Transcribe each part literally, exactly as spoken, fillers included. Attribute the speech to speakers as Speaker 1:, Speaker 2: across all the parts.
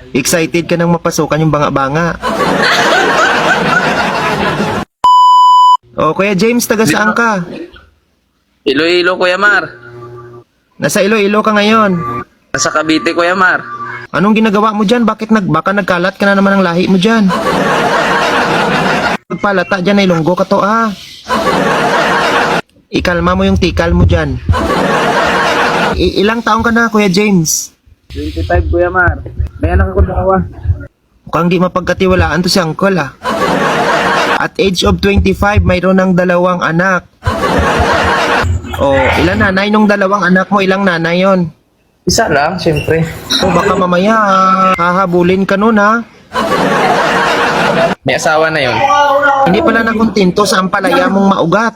Speaker 1: Excited ka nang mapasukan yung banga-banga. O, Kuya James, taga saan ka?
Speaker 2: Iloilo, Kuya Mar.
Speaker 1: Nasa Iloilo ka ngayon.
Speaker 2: Nasa Cavite, Kuya Mar.
Speaker 1: Anong ginagawa mo dyan? Bakit nag, baka nagkalat ka na naman ng lahi mo dyan? Pagpalata dyan ay lunggo ka to, ah. Ikalma mo yung tikal mo dyan. I- ilang taong ka na, Kuya James?
Speaker 2: twenty-five, Kuya Mar. May anak ako dalawa.
Speaker 1: Mukhang di mapagkatiwalaan to si Uncle, ah. At age of twenty-five, mayroon ng dalawang anak. O, ilan nanay nung dalawang anak mo? Ilang nanay yon?
Speaker 2: Isa lang, siyempre.
Speaker 1: O, baka mamaya, ah, hahabulin ka nun, ha?
Speaker 2: May asawa na yon.
Speaker 1: Hindi pala nakontento sa ampalaya mong maugat.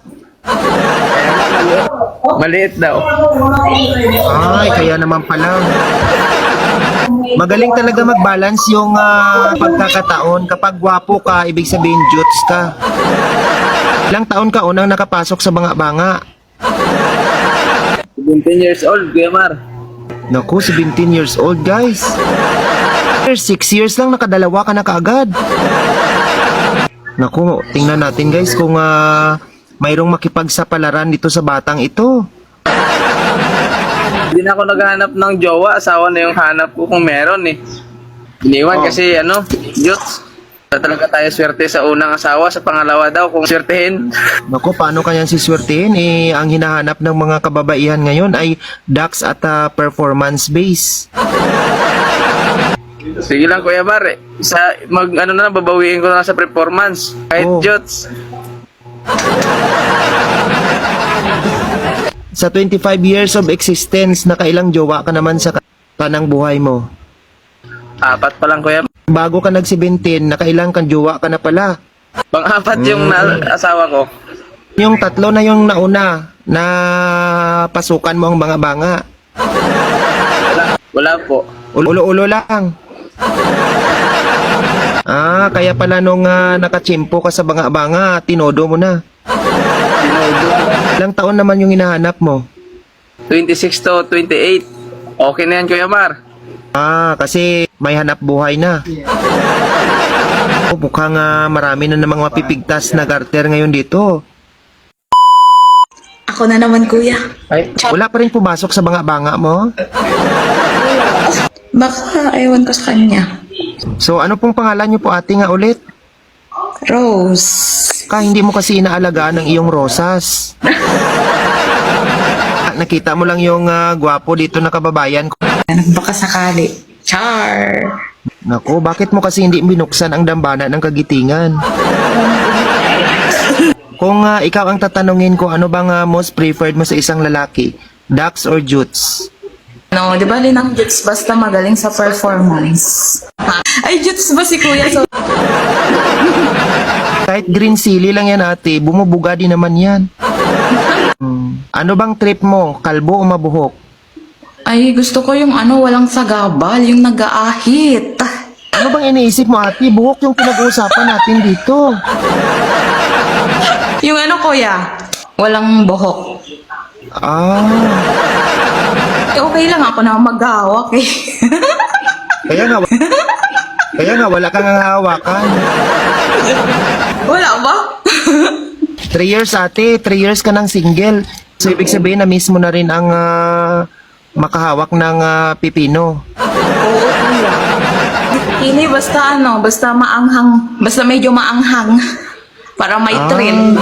Speaker 2: Maliit daw.
Speaker 1: Ay, kaya naman pala. Magaling talaga mag-balance yung ah, pagkakataon. Kapag gwapo ka, ibig sabihin jutes ka. Ilang taon ka unang nakapasok sa banga-banga?
Speaker 2: seventeen years old, Kuya Mar.
Speaker 1: Naku, seventeen years old, guys. six years lang, nakadalawa ka na kaagad. Naku, tingnan natin, guys, kung ah, mayroong makipagsapalaran dito sa batang ito.
Speaker 2: Hindi na ako naghahanap ng jowa. Asawa na yung hanap ko kung meron eh. Iniwan
Speaker 1: Oh.
Speaker 2: kasi ano, Diyos. Talaga tayo swerte sa unang asawa. Sa pangalawa daw kung swertehin.
Speaker 1: Naku, paano kaya siswertihin? Eh, ang hinahanap ng mga kababaihan ngayon ay ducks at ah, performance base.
Speaker 2: Sige lang, Kuya Mar. Eh. Sa, mag, ano na, babawiin ko na lang sa performance. Kahit
Speaker 1: Oh.
Speaker 2: Diyos.
Speaker 1: Sa twenty-five years of existence, nakailang jowa ka naman sa kanang buhay mo?
Speaker 2: Apat pa lang, Kuya.
Speaker 1: Bago ka nag-seventeen, nakailang kang jowa ka na pala.
Speaker 2: Pang-apat yung na, asawa ko.
Speaker 1: Yung tatlo na yung nauna na pasukan mo ang mga banga.
Speaker 2: Wala po.
Speaker 1: Ulo-ulo lang. Ah, kaya pala nung uh, nakachimpo ka sa banga-banga, tinodo mo na. Ilang taon naman yung hinahanap mo?
Speaker 2: twenty-six to twenty-eight. Okay na yan, Kuya Mar.
Speaker 1: Ah, kasi may hanap buhay na. Oh, mukhang uh, marami na namang mapipigtas na garter ngayon dito.
Speaker 3: Ako na naman, kuya.
Speaker 2: Ay,
Speaker 1: Wala pa rin pumasok sa banga-banga mo?
Speaker 3: Baka ewan ko sa kanya.
Speaker 1: So, ano pong pangalan niyo po, ate, nga ulit?
Speaker 3: Rose.
Speaker 1: Ka, hindi mo kasi inaalagaan ng iyong rosas. Ah, nakita mo lang yung ah, gwapo dito na kababayan ko.
Speaker 3: Baka sakali. Char.
Speaker 1: Naku, bakit mo kasi hindi binuksan ang dambana ng kagitingan? Kung ah, ikaw ang tatanungin ko, ano bang ah, most preferred mo sa isang lalaki? Ducks or jutes?
Speaker 3: No, di ba din ang Jutes basta magaling sa performance? Ay, Jutes ba si kuya? So,
Speaker 1: Kahit green silly lang yan, ate, bumubuga din naman yan. Hmm. Ano bang trip mo? Kalbo o mabuhok?
Speaker 3: ay, gusto ko yung ano, walang sagabal, yung nag-aahit.
Speaker 1: Ano bang iniisip mo, ate? Buhok yung pinag-uusapan natin dito.
Speaker 3: Yung ano, kuya? Walang buhok.
Speaker 1: Ah,
Speaker 3: Eh, okay lang ako na maghahawak eh.
Speaker 1: kaya nga, kaya nga wala kang hawakan.
Speaker 3: Wala ba?
Speaker 1: Three years, ate. Three years ka ng single. So, ibig sabihin na mismo na rin ang ah, makahawak ng ah, pipino.
Speaker 3: Oo, kuya. Hindi, basta ano, basta maanghang, basta medyo maanghang. Para may
Speaker 1: Ah.
Speaker 3: trend.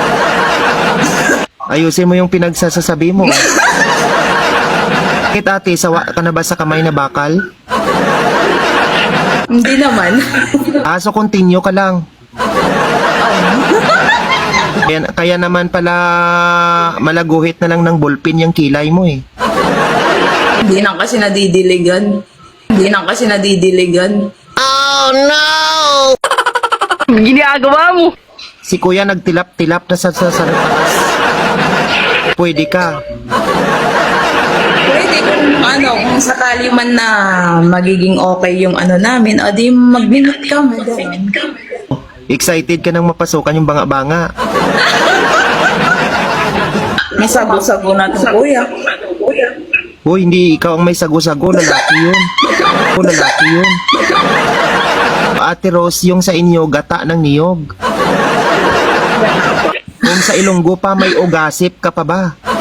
Speaker 1: Ayusin mo yung pinagsasasabi mo. Bakit, ate? Sawa ka na ba sa kamay na bakal?
Speaker 3: Hindi naman.
Speaker 1: Ah, so continue ka lang. Kaya, kaya naman pala malaguhit na lang ng ballpen yung kilay mo eh.
Speaker 3: Hindi na kasi nadidiligan. Hindi na kasi nadidiligan.
Speaker 2: ginagawa mo.
Speaker 1: Si kuya nagtilap-tilap na sa, sa, sa taas. Pwede ka.
Speaker 3: Pwede kung ano, kung sakali man na magiging okay yung ano namin, o di mag-minute ka, madam.
Speaker 1: Excited ka nang mapasukan yung banga-banga.
Speaker 3: May sago-sago na ito, kuya.
Speaker 1: Hoy, hindi ikaw ang may sago-sago, lalaki yun. O lalaki yun. Ate Rose, yung sa inyo, gata ng niyog. Kung sa Ilonggo pa, may ugasip ka pa ba?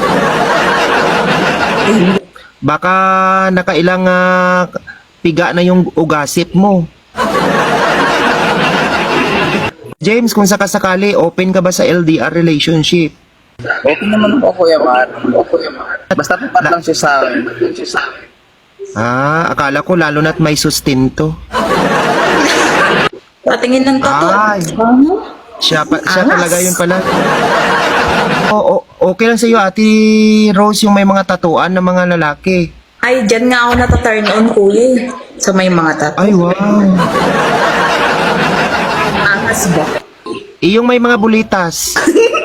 Speaker 1: Baka nakailang ah, piga na yung ugasip mo. James, kung sakasakali, open ka ba sa L D R relationship?
Speaker 2: Okay naman ako, Kuya Mar. Okay, Mar. Basta tapat lang siya sa akin. Siya sa akin.
Speaker 1: Ah, akala ko lalo na't may sustento.
Speaker 3: Patingin ng tato.
Speaker 1: Ay. Siya, pa, siya
Speaker 3: Angas.
Speaker 1: talaga yun pala. O, o- okay lang sa'yo, Ate Rose, yung may mga tatuan ng mga lalaki.
Speaker 3: Ay, dyan nga ako nata-turn on, kuya. eh. So, may mga tato.
Speaker 1: Ay, wow.
Speaker 3: Angas ba?
Speaker 1: Iyong may mga bulitas.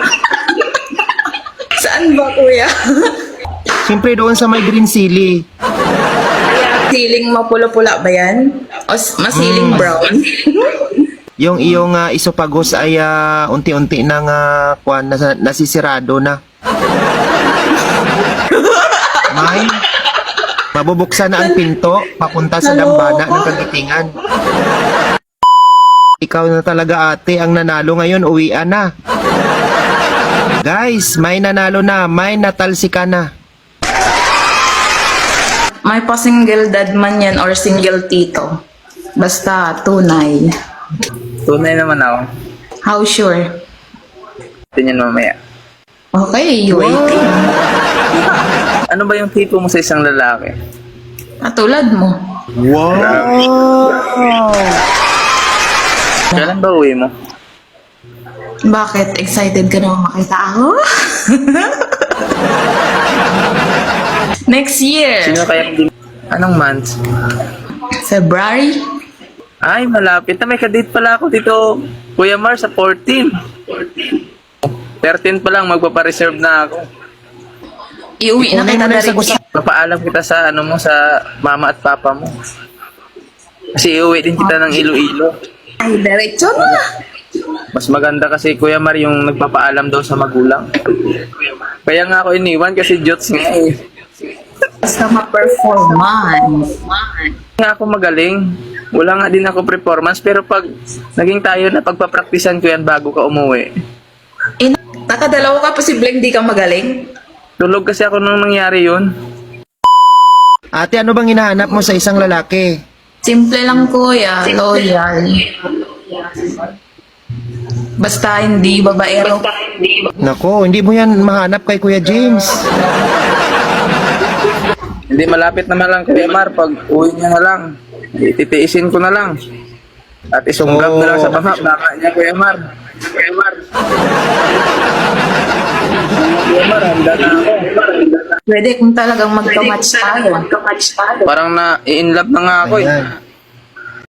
Speaker 3: Saan ba, kuya?
Speaker 1: Siyempre doon sa may green silly.
Speaker 3: Siling mapula-pula ba yan? O s- masiling brown?
Speaker 1: Yung iyong uh, isopagos ay ah, unti-unti nang uh, kwan, nasa, nasisirado na. May, mabubuksan na ang pinto papunta sa dambana ng kagitingan. Ikaw na talaga ate ang nanalo ngayon, uwian na. Guys, may nanalo na, may natalsika na.
Speaker 3: May pa-single dad man yan or single tito. Basta tunay.
Speaker 2: Tunay naman ako.
Speaker 3: How sure?
Speaker 2: Tingnan mamaya.
Speaker 3: Okay, waiting.
Speaker 2: Ano ba yung tipo mo sa isang lalaki?
Speaker 3: Katulad mo.
Speaker 2: Kailan ba uwi mo?
Speaker 3: Bakit? Excited ka naman makita ako? Next year,
Speaker 2: Sino kaya hindi? Anong month?
Speaker 3: February.
Speaker 2: Ay, malapit na. May kadate pala ako dito, Kuya Mar, sa fourteen. thirteen pa lang, magpapareserve na ako.
Speaker 3: Iuwi na
Speaker 1: Ipunin
Speaker 3: kita
Speaker 1: mo na
Speaker 3: na
Speaker 1: sa
Speaker 3: rin.
Speaker 1: gusto.
Speaker 2: Papaalam kita sa ano mo, sa mama at papa mo. Kasi iuwi din kita ng Iloilo.
Speaker 3: Ay, diretso na.
Speaker 2: Mas maganda kasi, Kuya Mar, yung nagpapaalam daw sa magulang. Kaya nga ako iniwan kasi jots nga eh.
Speaker 3: Basta ma-performance.
Speaker 2: Nga ako magaling. Wala nga din ako performance, pero pag naging tayo na pagpapraktisan ko yan bago ka umuwi.
Speaker 3: Eh, nakadalawa ka, posibleng di ka magaling.
Speaker 2: Tulog kasi ako nung nangyari yun.
Speaker 1: Ate, ano bang hinahanap mo sa isang lalaki?
Speaker 3: Simple lang, kuya. Loyal. Basta hindi babaero.
Speaker 1: Nako, hindi mo yan mahanap kay Kuya James.
Speaker 2: Hindi malapit naman lang Kuya Mar, pag uwi niya na lang, ititiisin ko na lang. At isunggab na lang sa baka, baka niya Kuya Mar. Kuya Mar. Kuya Mar, handa na ako.
Speaker 3: Pwede kung talagang magka-match tayo.
Speaker 2: Parang na-in love na nga ako eh.
Speaker 1: Ayan.